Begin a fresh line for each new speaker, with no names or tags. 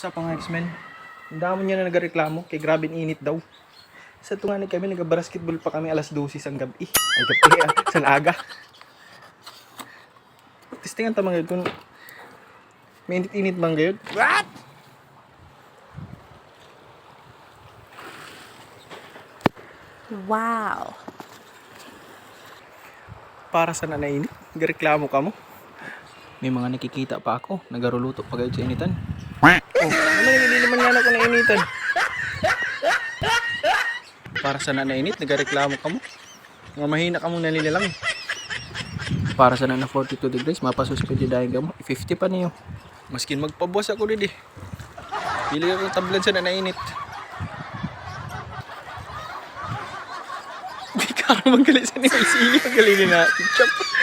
Sa mga X-Men, ang dami niya na nagareklamo kay grabe init daw. Sa tunganin kami, nag-basketball pa kami alas 12 sang gabi. Ay gabi sa aga. Testingan ta mga kung may init-init bang gayud. What?
Wow.
Para sa nanainit, nagareklamo ka mo. May mga nakikita pa ako, nagaruluto pa gayud sa initan. Oh, hindi naman yan ako nainitan. Para sa nanainit, nagareklamo ka mo. Nga mahina ka mong nalilalang. Para sa nana 42 degrees, mapasuspended dahil ka mo. 50 pa niyo. Maskin magpabuwas ako rin Pili ako tablad sa nanainit. Hindi ka magalit sa nila. Sige, magaling na. Ketchup.